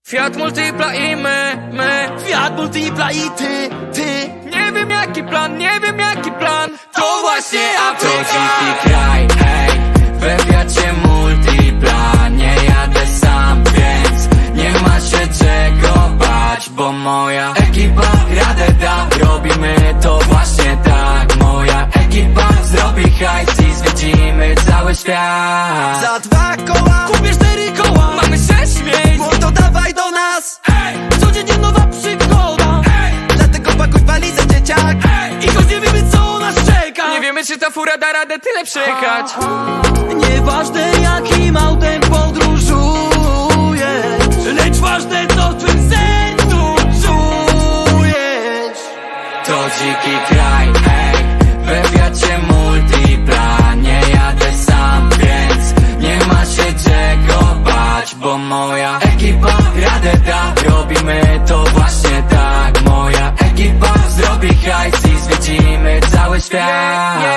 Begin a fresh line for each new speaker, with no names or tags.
Fiat Multipla i my
Fiat Multipla i ty
Nie wiem jaki plan To właśnie
To
Afryka.
dziki kraj, hej, we Fiacie Multipla. Nie jadę sam, więc nie ma się czego bać, bo moja ekipa radę da. Robimy to właśnie tak. Moja ekipa zrobi hajs i zwiedzimy cały świat.
Za 2 koła
Kupię 4 koła, mamy 6 miejsc.
Mordo, dawaj do nas.
Codziennie nowa przygoda.
Dlatego pakuj walizę, dzieciak.
I choć nie wiemy co nas czeka, nie wiemy czy ta fura da radę tyle przejechać.
Nieważne jakim autem podróżujesz,
Lecz ważne co w twym sercu
czujesz.
To dziki kraj, hej, we Fiacie Multipla. Nie jadę sam, więc nie ma się czego bać, bo moja ekipa radę da. Robimy to właśnie tak. Moja ekipa zrobi hajs i zwiedzimy cały świat.